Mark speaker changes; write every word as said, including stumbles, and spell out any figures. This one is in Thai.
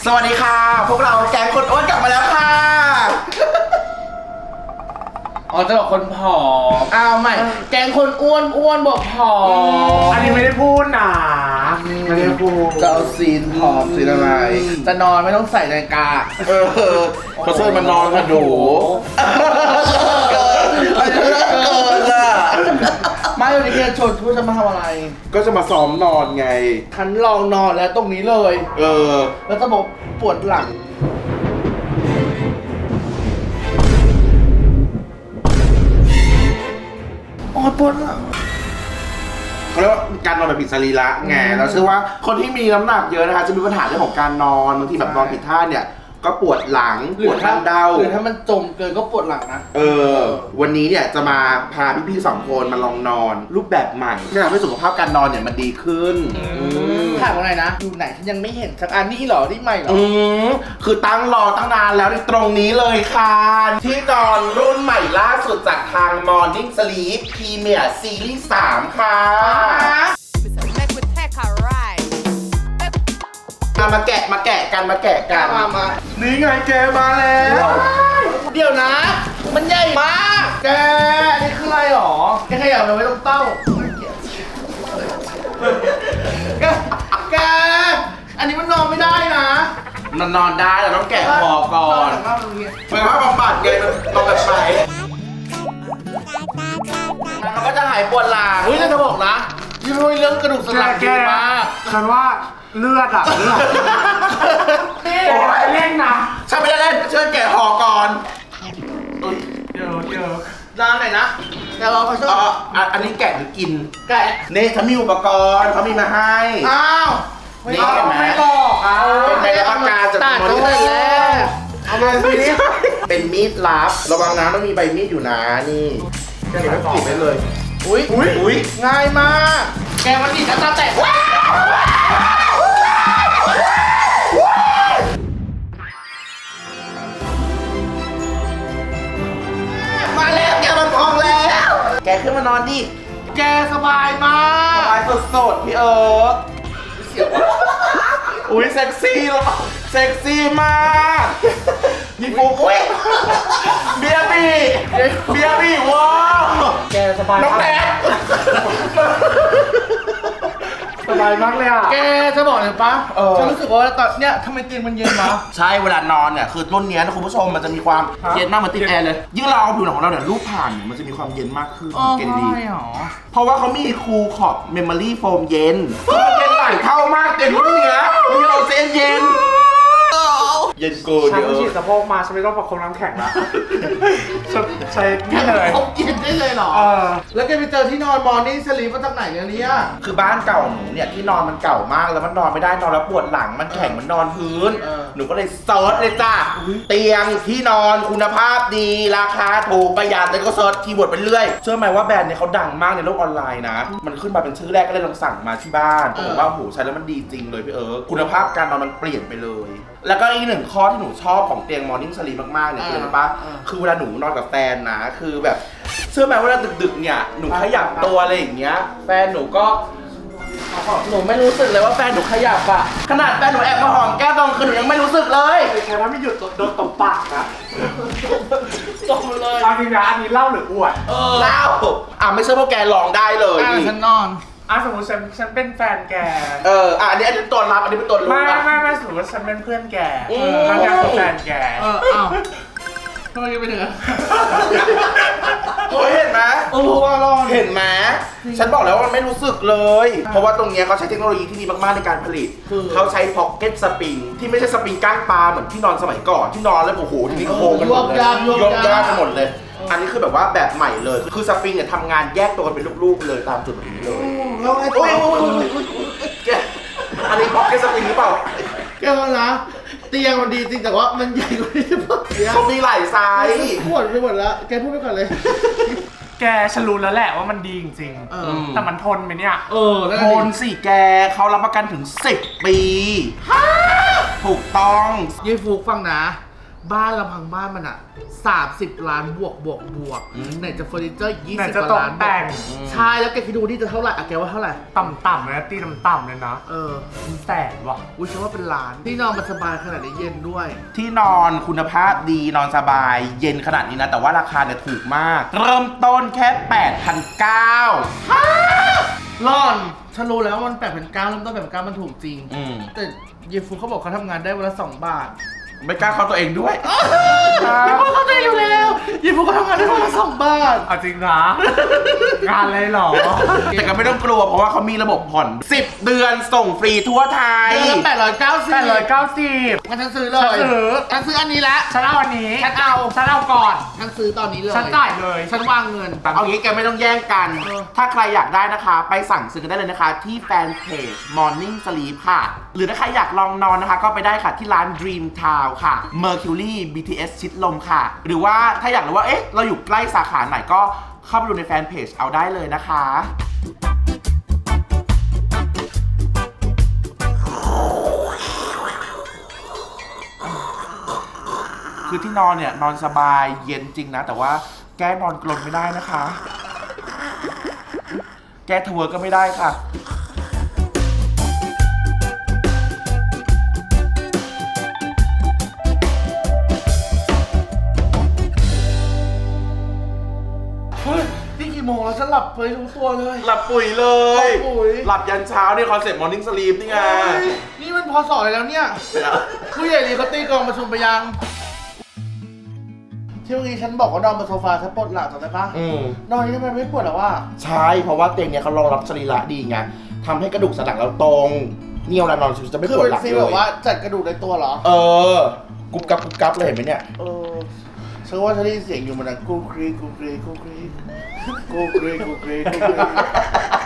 Speaker 1: สวัสดีค่ะพวกเราแก๊งคนอ้วนกลับมาแล้วค่ะ
Speaker 2: อ๋อจะบอกคนผอมอ้าวไม่แกงคนอ้วนอ้วนบอกผอม
Speaker 3: อันนี้ไม่ได้พูดนะไม่ได้พูด
Speaker 2: จะเอาซีนผอมซีนอะไรจะนอนไม่ต้องใส่นาฬิกา
Speaker 1: เออเขาเชิญมานอนค่ะหนูเกินเกินอ่ะ
Speaker 2: ไม่วันนี้จะชวนทุกจะมาทำอะไร
Speaker 1: ก็จะมาซ้อมนอนไง
Speaker 2: ฉันลองนอนแล้วตรงนี้เลย
Speaker 1: เออ
Speaker 2: แล้วจะบอกปวดหลังอ๋อปวดหลัง
Speaker 1: เขาเรียกว่าการนอนแบบผิดสรีระไงเราเชื่อว่าคนที่มีน้ำหนักเยอะนะคะจะมีปัญหาเรื่องของการนอนบางทีแบบนอนผิดท่าเนี่ยก็ปวดหลังปวดท้าเดา
Speaker 2: หรือถ้ามันจมเกินก็ปวดหลังนะ
Speaker 1: เออวันนี้เนี่ยจะมาพาพี่ๆสองคนมาลองนอนรูปแบบใหม่ที่ทำให้สุขภาพการนอนเนี่ยมันดีขึ้น
Speaker 2: ถามว่าไงนะอยู่ไหนฉันยังไม่เห็นสักอันนี่หรอที่ใหม่หรอ
Speaker 1: อืมคือตั้งรอตั้งนานแล้วในตรงนี้เลยค่ะที่นอนรุ่นใหม่ล่าสุดจากทาง Morning Sleep Premier Series สามค่ะมาแกะมาแกะกันมาแกะกัน
Speaker 2: มามา
Speaker 1: นี่ไงแกมาแล้ว
Speaker 2: เดี๋ยวนะมันใหญ่มากแกอันนี้คืออะไรหรอแกขยับเราไม่ต้องเต้าแกแกอันนี้มันนอนไม่ได้นะ
Speaker 1: มันนอนได้แต่ต้องแกะคอก่อนมันว่าบำบัดไงมันต้องแบบไปมันก็จะหายปวดหลัง
Speaker 2: เฮ้ยจะบอกนะยี่ห้อเรื่องกระดูกสันหลังดีมาก
Speaker 3: ฉันว่าเลือดอะเลือดโอ้ยเล่นนะ
Speaker 1: ฉันไม่ได้เล่นเชิญแกะคอก่อน
Speaker 3: เดี๋ยวเดี๋ยว
Speaker 2: ร้านไหนนะแกรอเขาชอบ
Speaker 1: อันนี้แกะหรือกิน
Speaker 2: แกะ
Speaker 1: นี่ฉันมีอุปกรณ์เขามีมาให้
Speaker 2: อ้าว
Speaker 1: นี่เห็นไหม
Speaker 2: ไม่บอกอ่ะ
Speaker 1: เป็นใบรับประกันจาก
Speaker 2: มอนิเตอร์แล้วเอามาดูนี่
Speaker 1: เป็นมีดลับระวังนะต้องมีใบมีดอยู่นะนี่แกะแล้วกรีดได้เลย
Speaker 2: อุ้ยอุ้ยอุ้ยง่ายมากแกมันดีนะตาแตก
Speaker 1: มาแล้วแกมันพองแล้วแกขึ้นมานอนดิ
Speaker 2: แกสบายมาก
Speaker 1: สบายสดๆพี่เอิร์กอุ้ยเซ็กซี่หรอเซ็กซี่มากพี่ฟุ๊กเบียร์บี้เบียร์บี้ว้าว
Speaker 3: แกสบาย
Speaker 1: น้องแดด
Speaker 3: สบายมากเลยอ่ะ
Speaker 2: แกจะบอกเลยปะฉันรู้สึกว่าตอนเนี้ยทำไมเตียงมันเย็นวะ
Speaker 1: ใช่เวลานอนเนี่ยคือรุ่นนี้นะคุณผู้ชมมันจะมีความเย็นมากเหมือนติดแอร์เลยยิ่งเราเอาผิวหนังของเราเนี่ยรูปผ่านเนี่ยมันจะมีความเย็นมากขึ้น
Speaker 2: เกณฑ์ดี
Speaker 1: เพราะว่าเขามีคูลขอบเมมโมรี่โฟมเย็นเย็นหลายเท่ามากเต็มรุ่นเนี้ยมีเราเจนเย็นเย็นกู
Speaker 3: ฉันฉีดสะโพกมาฉันไม่ต้องประคบน้ำแข็งละใช้นี่เลย
Speaker 2: เขาเย็นได้เลยเหรอเออแล้วแกไปเจอที่นอนมอร์นิ่งสลีปมาจากไหนเนี่ย
Speaker 1: คือบ้านเก่าหนูเนี่ยที่นอนมันเก่ามากแล้วมันนอนไม่ได้นอนแล้วปวดหลังมันแข็งมันนอนพื้นหนูก็เลยเซิร์ชเลยจ้าเตียงที่นอนคุณภาพดีราคาถูกประหยัดแล้วก็เซิร์ชคีย์เวิร์ดไปเรื่อยเชื่อไหมว่าแบรนด์เนี่ยเขาดังมากในโลกออนไลน์นะมันขึ้นมาเป็นชื่อแรกก็เลยลองสั่งมาที่บ้านบอกว่าโหใช้แล้วมันดีจริงเลยพี่เอิร์กคุณภาพการนอนมันเปลี่ยนไปเลยแล้วก็อีกหนึ่งข้อที่หนูชอบของเตียง Morning Sleep มากๆเนี่ยคืออะไรปะคือเวลาหนูนอนกับแฟนนะคือแบบเชื่อไหมว่าดึกๆเนี่ยหนูขยับตัวอะไรอย่างเงี้ยแฟนหนูก็หนูไม่รู้สึกเลยว่าแฟนหนูขยับอะขนาดแฟนหนูแอบมาหอมแก้มตอนคืนหนูยังไม่รู้สึกเลย
Speaker 3: แค่ถ้าไม่หยุดโดนตบปากนะ
Speaker 2: ตบเลย
Speaker 3: อันนี้นะอันนี้เล่าหรืออวด
Speaker 1: เล่าอ่ะไม่ใช่พวกแกลองได้เลย
Speaker 2: ฉันนอน
Speaker 3: อ่ะสมมติฉันฉันเป็นแฟนแก
Speaker 1: เอออ่ะอันนี้อันนี้ตัวรับอันนี้เป็นตัวรู้
Speaker 3: ไม่ไม่ไม่สมมติว่าฉันเป็นเพื่อนแกแล้วแกเป็นแฟนแก
Speaker 2: เอออ้าวทำไมไปถึงอ่ะ
Speaker 1: โอ้ยเห็นไหม
Speaker 2: โอ้โหว่าร้อน
Speaker 1: เห็นไหมฉันบอกแล้วว่ามันไม่รู้สึกเลยเพราะว่าตรงนี้เขาใช้เทคโนโลยีที่ดีมากๆในการผลิตเขาใช้พ็อกเก็ตสปริงที่ไม่ใช่สปริงก้างปลาเหมือนที่นอนสมัยก่อนที่นอนแล้วโอ้โหทีนี้โค้งกันหมดเลยยกยากกันหมดเลยอันนี้คือแบบว่าแบบใหม่เลยคือสปริงเนี่ยทำงานแยกตัวกันเป็นลูกๆเลยตามจุดแบบนี้เลย
Speaker 2: แล้วไอ้ตัว
Speaker 1: อันนี้พ็อกเก็ตสปริงหรือเปล่า
Speaker 2: แกว่านะเตียงมันดีจริงแต่ว่ามันใหญ่กว่าที่จะพูด
Speaker 1: เขามีหลายไซส์
Speaker 2: พูดไปหมดแล้วแกพูดไปก่อนเลย
Speaker 3: แกฉันรู้แล้วแหละว่ามันดีจริงๆแต่มันทนไหมเนี่ย
Speaker 2: เออ
Speaker 1: ทนสิแกเขารับประกันถึงสิบปีถูกต้อง
Speaker 2: ยี่ฟุกฟังนะบ้านลำพังบ้านมันอ่ะสามสิบล้านบวกบวกบวก
Speaker 1: อืม
Speaker 2: ไหนจะเฟอร์นิเจอร์ยี่
Speaker 3: ไหน
Speaker 2: สิบ
Speaker 3: จะ
Speaker 2: ก
Speaker 3: ต
Speaker 2: ว่าก ล้าน
Speaker 3: แต่ง
Speaker 2: ใช่แล้วแกคิดดูนี่จะเท่าไหร่อะแกว่าเท่าไหร่
Speaker 3: ต่ำๆเลยนะตีต่ำๆเลยนะ
Speaker 2: เออ
Speaker 3: เป็นแสนว่ะ
Speaker 2: อุ้ยฉันว่าเป็นล้านที่นอนมันสบายขนาดนี้เย็นด้วย
Speaker 1: ที่นอนคุณภาพดีนอนสบายเย็นขนาดนี้นะ แต่ว่าราคาเนี่ยถูกมาก เริ่มต้นแค่ แปดพันเก้าร้อย
Speaker 2: ร่อนฉันรู้แล้วว่ามันแปดพันเก้าเริ่มต้นแปดพันเก้ามันถูกจริง
Speaker 1: อืม
Speaker 2: แต่เยฟูเขาบอกเขาทำงานได้วันละสองบาท
Speaker 1: ไม่กล้าเข้าตัวเองด้วย
Speaker 2: เยฟูเขาใจอยู่แล้วเยฟูเขาทำงานได้วันละสองบาท
Speaker 3: เอาจริงนะงานเลยเหรอ
Speaker 1: แต่ก็ไม่ต้องกลัวเพราะว่าเขามีระบบผ่อน สิบ เดือนส่งฟรีทั่วไทย
Speaker 2: เดือนละแปดร้อยเก้าสิบ
Speaker 3: แปดร้อยเก้าสิบ
Speaker 2: งั้นฉันซื้อเลย
Speaker 3: ฉันซื้อ
Speaker 2: ฉันซื้ออันนี้ละ
Speaker 3: ฉันเอาอันนี้
Speaker 2: ฉันเอา
Speaker 3: ฉันเอาก่อน
Speaker 2: ฉันซื้อตอนนี้เลย
Speaker 3: ฉันจ่ายเลย
Speaker 2: ฉันวางเงิน
Speaker 1: เอางี้แกไม่ต้องแย่งกัน
Speaker 2: เออ
Speaker 1: ถ้าใครอยากได้นะคะ ไปสั่งซื้อกันได้เลยนะคะ ที่แฟนเพจ Morning Sleep ค่ะ หรือถ้าใครอยากลองนอนนะคะ ก็ไปได้ค่ะที่ร้าน Dream Town ค่ะ Mercury บี ที เอส ชิดลมค่ะ หรือว่าถ้าอยากรู้ว่า เอ๊ะ เราอยู่ใกล้สาขาไหนก็เข้าไปดูในแฟนเพจเอาได้เลยนะคะ คือที่นอนเนี่ย นอนสบายเย็นจริงนะ แต่ว่าแก้นอนกลนไม่ได้นะคะ แก้ทเวิร์กก็ไม่ได้ค่ะ
Speaker 2: เฮ้ยนี่กี่โมงแล้วฉันหลับไปรู้ตัวเลย
Speaker 1: หลับปุ๋ยเลย
Speaker 2: หลับปุ๋ย
Speaker 1: หลับยันเช้านี่คอนเซ็ปต์ Morning Sleep นี่ไง
Speaker 2: เฮ้ยนี่มันพอสอเลยแล้วเนี่ย ผู้ใหญ่ดีเขาตีกลองประชุมไปยัง ที่เมื่อกี้ฉันบอกว่านอนบนโซฟาฉันปวดหลังจำได้ปะ
Speaker 1: อืม
Speaker 2: นอนนี้ทำไมไม่ปวดหรอวะ
Speaker 1: ใช่ เพราะว่าเตียงเนี่ยเขารองรับสรีระดีไงทำให้กระดูกสันหลังเราตรงเนี่ยเวลานอนจะไม่
Speaker 2: คือ
Speaker 1: ปวด
Speaker 2: เป็น
Speaker 1: หลัง
Speaker 2: ฟีล
Speaker 1: เล
Speaker 2: แบบ
Speaker 1: ย
Speaker 2: ว่าจัดกระดูกในตัวเหรอ
Speaker 1: เออ กุบกับกุบกับเลยเห็นไหมเนี่ย
Speaker 2: เออฉันว่าฉันได้ยินเสียงอยู่มันดังกูกรีกูกรีกูกรีกูกรีกูกรีกูกรี